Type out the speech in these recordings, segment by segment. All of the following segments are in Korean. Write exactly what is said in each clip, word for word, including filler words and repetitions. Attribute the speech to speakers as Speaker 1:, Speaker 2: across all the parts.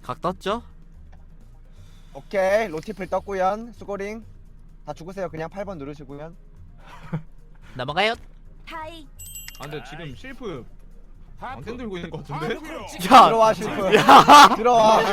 Speaker 1: 각 떴죠?
Speaker 2: 오케이 로티플 떴구연. 수고링 다 죽으세요. 그냥 팔 번 누르시구연.
Speaker 1: 넘어가요.
Speaker 3: 타이.
Speaker 4: 아 근데 지금 실프 왕땡 들고 있는 것 같은데?
Speaker 1: 야,
Speaker 2: 들어와 실프.
Speaker 1: 야,
Speaker 2: 들어와.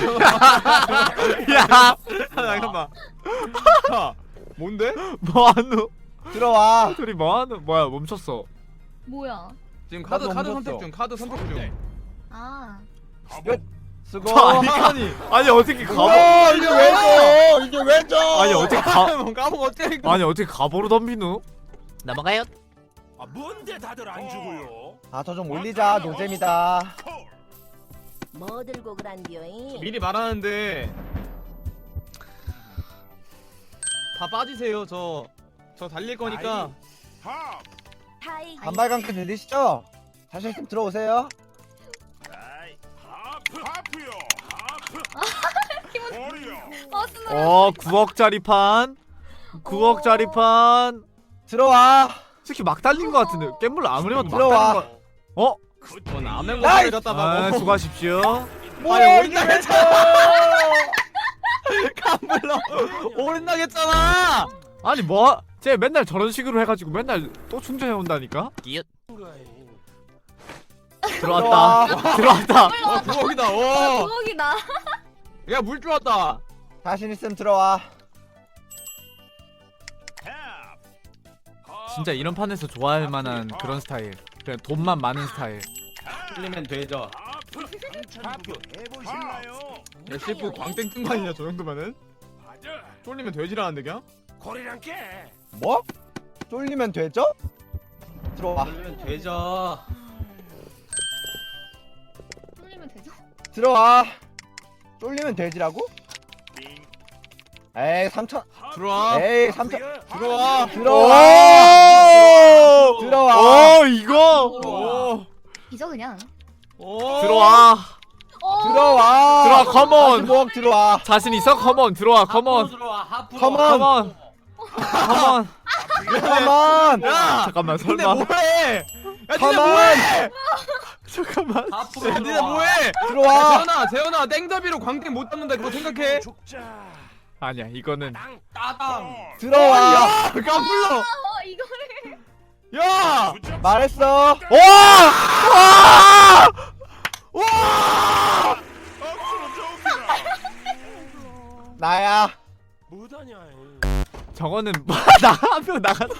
Speaker 1: 야,
Speaker 4: 잠깐만. 야, 뭔데?
Speaker 1: 뭐하노?
Speaker 2: 들어와.
Speaker 1: 둘이 뭐하노? 뭐야, 멈췄어.
Speaker 3: 뭐야?
Speaker 4: 지금 카드
Speaker 2: 나도
Speaker 4: 카드
Speaker 2: 멈췄어.
Speaker 4: 선택 중. 카드 선택 중.
Speaker 3: 아.
Speaker 2: 끝. 수고.
Speaker 1: 아니,
Speaker 4: 아니,
Speaker 1: 아니 어떻게 가보?
Speaker 2: 어, 이게 왜 져? 이게 왜 져?
Speaker 1: 아니 어떻게 가?
Speaker 4: 까먹 어째 이거?
Speaker 1: 아니 어떻게 가보로 덤비누? 넘어가요.
Speaker 5: 아 뭔데 다들 안 주고요?
Speaker 2: 아 저 좀 올리자. 노잼이다.
Speaker 3: 뭐 들고 그란디오잉?
Speaker 4: 미리 말하는데 다 빠지세요. 저 저 달릴 거니까.
Speaker 5: 합!
Speaker 3: 타이.
Speaker 2: 반발강크 들리시죠? 자신 있으면 들어오세요.
Speaker 5: 아이, 하프! 하프요! 하프! 머리요!
Speaker 1: 어, 구억짜리 판. 구억짜리 판.
Speaker 2: 들어와.
Speaker 1: 특히 막 달린 것 같은데. 깻물 아무리 봐도 막
Speaker 2: 들어와.
Speaker 1: 달린 거. 어?
Speaker 4: 뭐 남의
Speaker 2: 나이스!
Speaker 4: 거 갖다
Speaker 1: 아,
Speaker 4: 봐.
Speaker 1: 수고하십시오.
Speaker 2: 뭐야 이게 왜 져?
Speaker 4: 깜불러. 오른나겠잖아.
Speaker 1: 아니 뭐? 쟤 맨날 저런 식으로 해가지고 맨날 또 충전해 온다니까. 끼읓. 들어왔다. 들어왔다.
Speaker 4: 어, 부엌이다. 와.
Speaker 3: 부엌이다.
Speaker 4: 야, 물 좋았다.
Speaker 2: 자신 있으면 들어와.
Speaker 1: 진짜 이런 판에서 좋아할 만한 그런 스타일. 그냥 돈만 많은 스타일.
Speaker 4: 틀리면 되죠.
Speaker 5: 하프! 해보실래요?
Speaker 4: 야, 실프 광땡 뜬 거 아니냐, 저 정도면은?
Speaker 5: 맞아!
Speaker 4: 쫄리면 되지라는데 그냥?
Speaker 5: 고리랑 깨!
Speaker 2: 뭐? 쫄리면 되죠? 들어와.
Speaker 4: 쫄리면 되죠.
Speaker 3: 뚫리면 되죠?
Speaker 2: 들어와. 쫄리면 되지라고?
Speaker 5: 빙!
Speaker 2: 에이 삼천.
Speaker 4: 들어와.
Speaker 2: 에이 삼천.
Speaker 4: 들어와.
Speaker 2: 들어와.
Speaker 1: 오!
Speaker 2: 들어와.
Speaker 1: 오, 이거.
Speaker 4: 오.
Speaker 3: 이죠 그냥.
Speaker 4: 오.
Speaker 1: 들어와.
Speaker 2: 들어와.
Speaker 1: 들어와, 컴온.
Speaker 2: 모억 들어와.
Speaker 1: 자신 있어? 컴온. 들어와. 컴온.
Speaker 4: 들어와. 하프.
Speaker 2: 컴온.
Speaker 1: 컴온. 컴온.
Speaker 2: 컴온.
Speaker 4: 야.
Speaker 1: 잠깐만,
Speaker 4: 근데
Speaker 1: 설마.
Speaker 4: 뭐해? 야, 진짜
Speaker 2: 컴온.
Speaker 4: 뭐해?
Speaker 1: 잠깐만.
Speaker 4: 야, 니네 뭐해?
Speaker 2: 들어와.
Speaker 4: 재현아, 재현아, 땡더비로 광땡 못 잡는다. 그거 생각해.
Speaker 5: 죽자!
Speaker 1: 아니야, 이거는
Speaker 5: 땅!
Speaker 4: 따당.
Speaker 2: 들어와.
Speaker 4: 야, 깜불러.
Speaker 3: 어 이거를.
Speaker 4: 야.
Speaker 2: 말했어.
Speaker 1: 와! 와!
Speaker 4: 와.
Speaker 5: 억수로 좋기라!
Speaker 2: 나야.
Speaker 5: 뭐다냐
Speaker 1: 저거는 나한명 나갔어.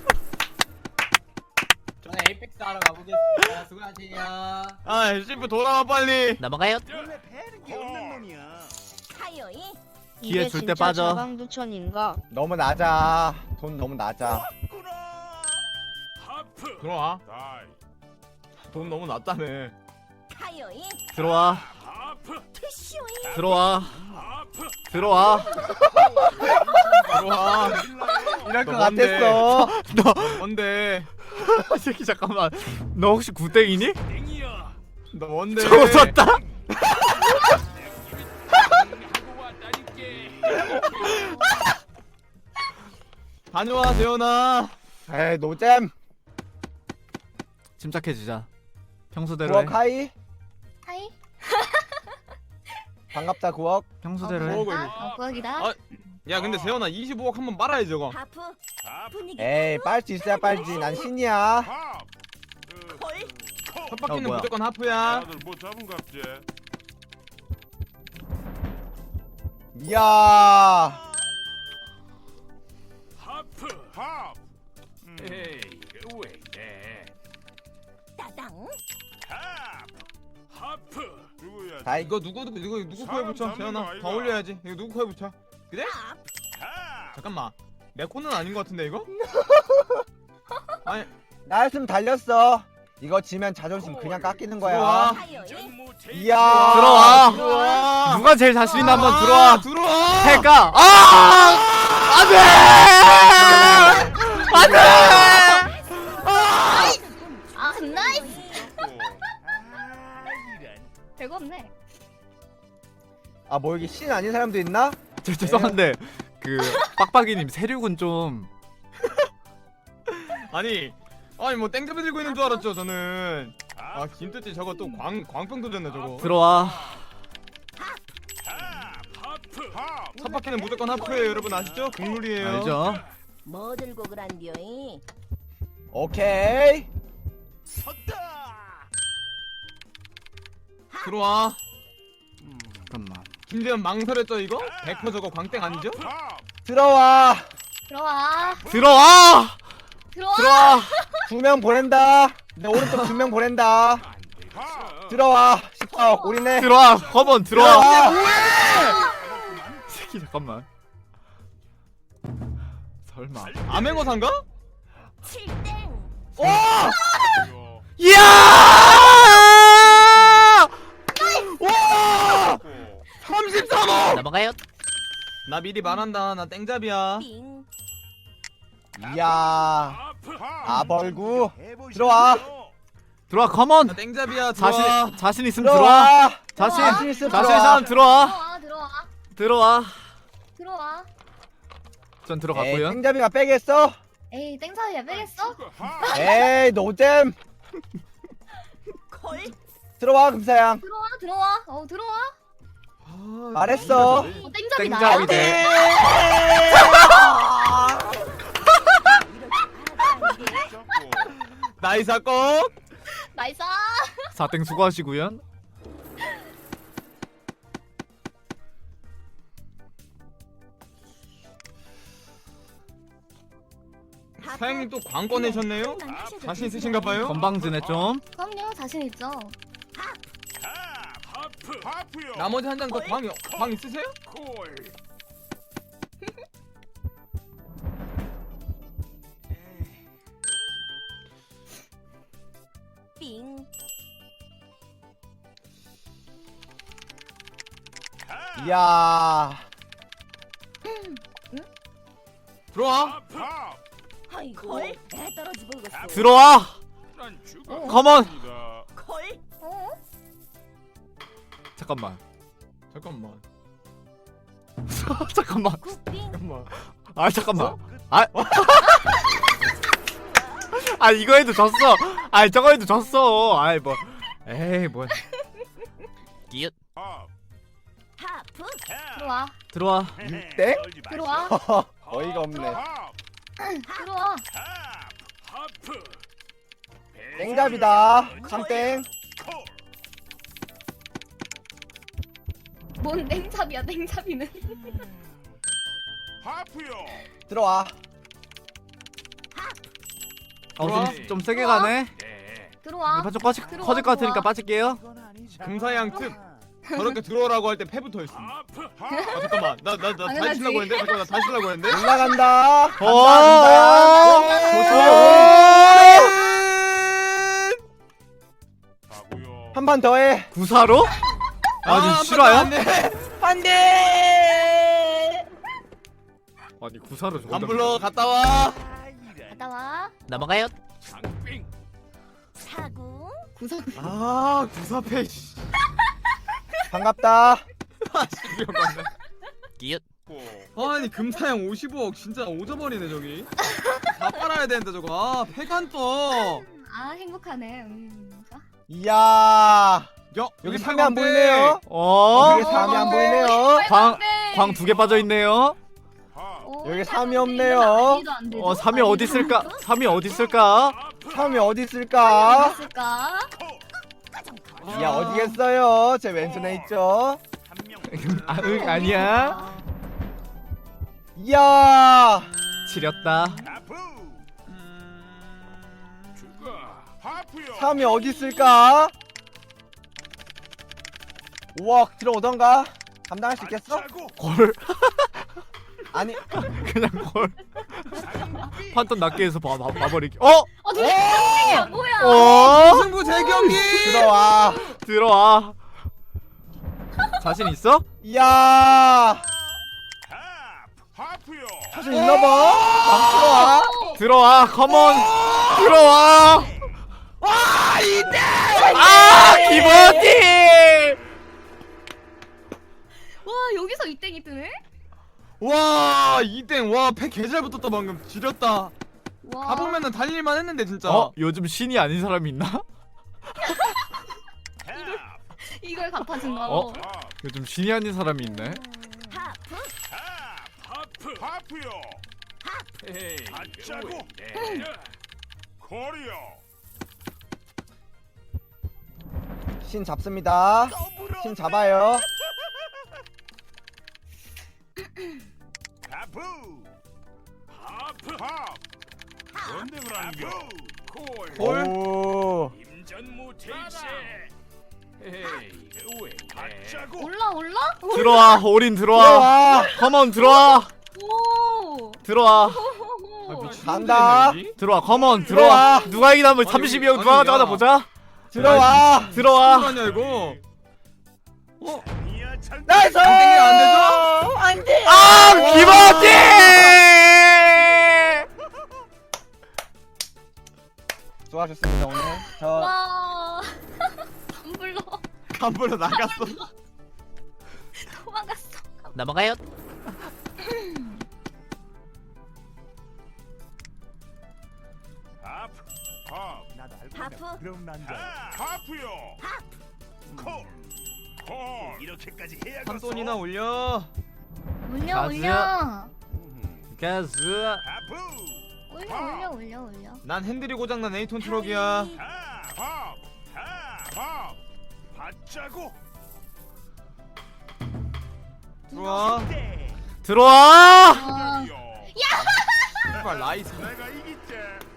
Speaker 6: 저는 에이펙스 하러 가보겠습니다. 수고하세요.
Speaker 4: 아, 실프 돌아와 빨리.
Speaker 1: 넘어가요.
Speaker 5: 원래 배는 게 없는 놈이야
Speaker 3: 타이어잉.
Speaker 1: 기회
Speaker 7: 이게
Speaker 1: 줄때
Speaker 7: 진짜
Speaker 1: 빠져.
Speaker 7: 자강두천인가?
Speaker 2: 너무 낮아. 돈 너무 낮아.
Speaker 5: 구나! 하프!
Speaker 4: 들어와.
Speaker 5: 다이!
Speaker 4: 돈 너무 낮다네.
Speaker 3: 타이어잉.
Speaker 1: 들어와.
Speaker 5: 하프!
Speaker 3: 티슈잉.
Speaker 1: 들어와.
Speaker 5: 하프!
Speaker 1: 들어와.
Speaker 4: 들어와.
Speaker 2: 이럴 것
Speaker 4: 너 뭔데?
Speaker 2: 같았어.
Speaker 1: 너
Speaker 4: 뭔데?
Speaker 1: 이 새끼 잠깐만. 너 혹시 구땡이니?
Speaker 5: 땡이야!
Speaker 4: 너 뭔데?
Speaker 1: 저거 졌다.
Speaker 5: 하고 왔다니께!
Speaker 4: 다녀와, 재현아.
Speaker 2: 에이 노잼.
Speaker 1: 침착해지자. 평소대로 해.
Speaker 2: 구억 하이.
Speaker 3: 타이.
Speaker 2: 반갑다 구억.
Speaker 1: 평소대로 해.
Speaker 4: 구억을.
Speaker 3: 아 부엌이다.
Speaker 4: 아, 야, 근데 재현아 이십오억 한번 빨아야지 저거.
Speaker 3: 하프.
Speaker 5: 하프!
Speaker 3: 분위기.
Speaker 2: 에이 빨 수 있어야 빨지. 난 신이야.
Speaker 5: 합! 그,
Speaker 3: 콜.
Speaker 5: 코!
Speaker 4: 첫 바퀴는
Speaker 1: 어, 뭐야.
Speaker 4: 무조건 하프야.
Speaker 5: 다들 뭐 잡은 갑제?
Speaker 2: 이야.
Speaker 5: 하프! 합!
Speaker 4: 음.
Speaker 5: 에이, 왜 이래?
Speaker 3: 따당.
Speaker 5: 합! 하프! 누구야?
Speaker 2: 다이.
Speaker 4: 이거 누구 누구 누구 누구 코에 붙여?
Speaker 5: 사람 잡는
Speaker 4: 재현아,
Speaker 5: 거
Speaker 4: 더
Speaker 5: 아이가?
Speaker 4: 올려야지. 이거 누구 코에 붙여? 그래?
Speaker 3: 합.
Speaker 5: 합!
Speaker 4: 잠깐만. 내 코는 아닌 것 같은데 이거? 아니,
Speaker 2: 나였으면 달렸어. 이거 지면 자존심 그냥 깎이는 거야.
Speaker 4: 들어와.
Speaker 3: 타이어잉.
Speaker 2: 이야.
Speaker 1: 들어와.
Speaker 4: 들어와.
Speaker 1: 누가 제일 자신 있나 한번 들어와.
Speaker 4: 들어와.
Speaker 1: 해가. 아! 안돼! 안돼!
Speaker 3: 아 나이스.
Speaker 5: 아, 이런.
Speaker 3: 별거 없네.
Speaker 2: 아 뭐 여기 신 아닌 사람도 있나?
Speaker 1: 저 죄송한데 그 빡빡이님 세륙은 좀
Speaker 4: 아니, 아니 뭐 땡잡이 들고 있는 줄 알았죠 저는. 아 김태지 저거 또 광 광병 도졌네 저거.
Speaker 1: 들어와.
Speaker 4: 첫 바퀴는 무조건 하프예요 여러분 아시죠? 국룰이에요.
Speaker 1: 알죠?
Speaker 3: 뭐 들고 그란디오이?
Speaker 2: 오케이.
Speaker 5: 섰다.
Speaker 4: 들어와.
Speaker 1: 잠깐만.
Speaker 4: 김재현 망설였죠 이거? 백 퍼센트 저거 광땡 아니죠?
Speaker 5: 팝.
Speaker 2: 들어와.
Speaker 3: 들어와.
Speaker 1: 들어와!
Speaker 3: 들어와.
Speaker 1: 들어와!
Speaker 2: 두 명 보낸다. 내 오른쪽 두 명 보낸다.
Speaker 5: 팝.
Speaker 2: 들어와. 십사억 우리네.
Speaker 1: 들어와! 컴온 들어와!
Speaker 2: 들어와.
Speaker 1: 새끼 잠깐만. 설마.
Speaker 4: 암행어사인가?
Speaker 3: 칠땡.
Speaker 2: 오!
Speaker 1: 이야!
Speaker 2: 와!
Speaker 4: 삼십삼 억!
Speaker 1: 넘어가요.
Speaker 4: 나 미리 말한다 나 땡잡이야.
Speaker 3: 빙.
Speaker 2: 이야.
Speaker 5: 하프.
Speaker 2: 아 벌구. 들어와.
Speaker 1: 들어와 컴온.
Speaker 4: 나 땡잡이야 들어와.
Speaker 1: 자신 자신 있으면 들어와.
Speaker 2: 들어와.
Speaker 1: 자신
Speaker 2: 자신 있으면
Speaker 1: 자신
Speaker 2: 들어와.
Speaker 1: 사람 들어와.
Speaker 3: 들어와. 들어와.
Speaker 1: 들어와.
Speaker 3: 들어와.
Speaker 1: 전
Speaker 2: 에이,
Speaker 1: 들어갔고요.
Speaker 2: 땡잡이가 빼겠어?
Speaker 3: 에이 땡사야 빼겠어?
Speaker 2: 에이 노잼.
Speaker 3: 걸.
Speaker 2: 들어와 금사양.
Speaker 3: 들어와 들어와. 어 들어와.
Speaker 4: 아,
Speaker 2: 말했어.
Speaker 3: 어 땡잡이다.
Speaker 1: 땡잡이네.
Speaker 4: 나이 사건.
Speaker 3: 나이스.
Speaker 1: 사땡 수고하시고요.
Speaker 4: 사장님 또 광고 내셨네요? 자신 있으신가봐요?
Speaker 1: 건방지네 좀.
Speaker 3: 그럼요 자신 있죠.
Speaker 5: 하프. 하프요.
Speaker 4: 나머지 한 장 더 광, 광 있으세요?
Speaker 5: 콜.
Speaker 3: 빙.
Speaker 2: 이야.
Speaker 4: 들어와.
Speaker 5: 팝.
Speaker 3: 아이고. 걸. 배 떨어지 보겠어.
Speaker 1: 들어와.
Speaker 5: 난 죽어.
Speaker 1: 컴온.
Speaker 3: 걸. 어?
Speaker 1: 잠깐만.
Speaker 4: 잠깐만.
Speaker 1: 잠깐만.
Speaker 3: 굿빙.
Speaker 4: 잠깐만.
Speaker 1: 아 잠깐만. 아. 아 이거 해도 졌어. 아 저거 해도 졌어. 아이 뭐. 에이 뭐. 끼읓.
Speaker 5: 팝.
Speaker 3: 하프. 들어와.
Speaker 1: 들어와.
Speaker 2: 땡?
Speaker 3: 들어와.
Speaker 2: 어이가 없네.
Speaker 5: 팝.
Speaker 3: 들어와.
Speaker 5: 하프.
Speaker 2: 땡잡이다. 삼땡.
Speaker 5: 콜.
Speaker 3: 뭔 땡잡이야 땡잡이는.
Speaker 5: 하프요.
Speaker 2: 들어와.
Speaker 1: 어좀 좀 세게 가네.
Speaker 5: 네.
Speaker 3: 들어와.
Speaker 1: 이판 좀 커질
Speaker 3: 들어와,
Speaker 1: 커질 것 같으니까
Speaker 3: 들어와.
Speaker 1: 빠질게요.
Speaker 4: 금사양 특. 저렇게 들어오라고 할 때 패부터 했어.
Speaker 5: 하프.
Speaker 4: 아 잠깐만. 나 나 나 다시
Speaker 3: 당연하지.
Speaker 4: 치려고 했는데. 잠깐만 나 다시 치려고 했는데.
Speaker 2: 올라간다.
Speaker 1: 오.
Speaker 5: 가고요.
Speaker 2: 한 판 더 해.
Speaker 1: 구사로? 아니 실화야?
Speaker 2: 안 돼.
Speaker 1: 아니 구사로 저거.
Speaker 4: 안 불러 갔다 와.
Speaker 3: 갔다 와.
Speaker 1: 넘어가요.
Speaker 5: 장빙.
Speaker 3: 사구. 구석.
Speaker 4: 아 구사패. 씨.
Speaker 2: 반갑다.
Speaker 4: 아 진짜 맞네.
Speaker 1: 끼읓.
Speaker 5: 고.
Speaker 4: 아니 금사양 오십오억 진짜 오져버리네 저기. 다 빨아야 되는데 저거. 아 패간 떠.
Speaker 3: 아 행복하네. 음. 자.
Speaker 2: 이야.
Speaker 4: 야
Speaker 2: 여기 삼이 안 보이네요.
Speaker 1: 어?
Speaker 2: 여기 삼이 안 보이네요.
Speaker 1: 광 광 두 개 빠져 있네요.
Speaker 5: 팝.
Speaker 3: 어,
Speaker 2: 여기
Speaker 3: 팔
Speaker 2: 삼이
Speaker 3: 안
Speaker 2: 없네요.
Speaker 3: 되죠? 난이도 안 되죠?
Speaker 1: 어 삼이 어디 있을까? 삼이 어디 있을까?
Speaker 2: 삼이 어디
Speaker 3: 어디
Speaker 2: 있을까?
Speaker 3: 있을까?
Speaker 2: 야 어디겠어요? 제 왼손에 있죠.
Speaker 5: 한 명.
Speaker 1: 아, 응 아니야.
Speaker 2: 이야.
Speaker 1: 지렸다.
Speaker 5: 하프. 죽어. 하프요.
Speaker 2: 삼이 어디 있을까? 오억 들어오던가. 감당할 수 있겠어?
Speaker 5: 자고.
Speaker 1: 골.
Speaker 2: 아니.
Speaker 1: 그냥 골. 판돈 낮게 해서 봐, 봐, 봐버리기. 어?
Speaker 3: 어 둘이 땡땡이야 뭐야?
Speaker 1: 어?
Speaker 4: 승부 재경기.
Speaker 2: 들어와.
Speaker 1: 들어와. 자신 있어?
Speaker 2: 이야.
Speaker 5: 하프. 하프요.
Speaker 2: 자신 있나봐. 들어와.
Speaker 1: 들어와. 컴온. 들어와.
Speaker 2: 와 이대.
Speaker 1: 아 기본팀.
Speaker 3: 와 여기서 이 땡이 뜨네?
Speaker 4: 와 이땡 와패 개잘 붙었다 방금 지렸다.
Speaker 3: 와.
Speaker 4: 가보면은 달릴만 했는데 진짜.
Speaker 1: 어? 요즘 신이 아닌 사람이 있나?
Speaker 3: 이걸 갚아준다고.
Speaker 1: 어? 요즘 신이 아닌 사람이 있네.
Speaker 3: 하프.
Speaker 5: 하프요.
Speaker 7: 헤이
Speaker 5: 받자고.
Speaker 7: 네.
Speaker 5: 코리오.
Speaker 2: 신 잡습니다.
Speaker 5: 더블어.
Speaker 2: 신 잡아요.
Speaker 5: 하프. 하프. 하. 뭔데 그러는겨? 콜.
Speaker 4: 콜.
Speaker 2: 오.
Speaker 7: 임전무 테이시 헤이 왜
Speaker 5: 받자고.
Speaker 3: 올라 올라?
Speaker 1: 들어와 올인 들어와.
Speaker 2: 들어와.
Speaker 1: 컴온 들어와.
Speaker 3: 오.
Speaker 1: 들어와.
Speaker 2: 간다.
Speaker 1: 들어와 컴온 들어와.
Speaker 2: 들어와.
Speaker 1: 누가 이기나 한번
Speaker 4: 아니,
Speaker 1: 삼십이 형
Speaker 4: 아니,
Speaker 1: 누가
Speaker 4: 야.
Speaker 1: 가져가나 보자.
Speaker 2: 들어와.
Speaker 1: 들어와.
Speaker 4: 뭐하냐 이거? 어?
Speaker 5: 이야 잘.
Speaker 2: 나이스.
Speaker 4: 안 땡겨, 안 되죠?
Speaker 2: 안 돼.
Speaker 1: 아 김어지.
Speaker 2: 수고하셨습니다 오늘. 저
Speaker 3: 와. 안 불러.
Speaker 4: 간불로 나갔어.
Speaker 3: 도망갔어.
Speaker 1: 넘어가요.
Speaker 5: 하프. 하. 나도 알고
Speaker 3: 하프.
Speaker 5: 그럼 난자. 하프요. 콜. 콜. 이렇게까지 해야겠어.
Speaker 4: 삼손이나 올려.
Speaker 3: 올려
Speaker 1: 가즈.
Speaker 3: 올려.
Speaker 1: 가즈.
Speaker 5: 하프.
Speaker 3: 올려 올려 올려 올려.
Speaker 4: 난 핸들이 고장난 에이톤 트럭이야.
Speaker 5: 하. 하. 하. 하. 받자고.
Speaker 4: 들어와.
Speaker 1: 들어와.
Speaker 3: 아.
Speaker 5: 요
Speaker 4: 제발 라이스.
Speaker 5: 내가 이기지.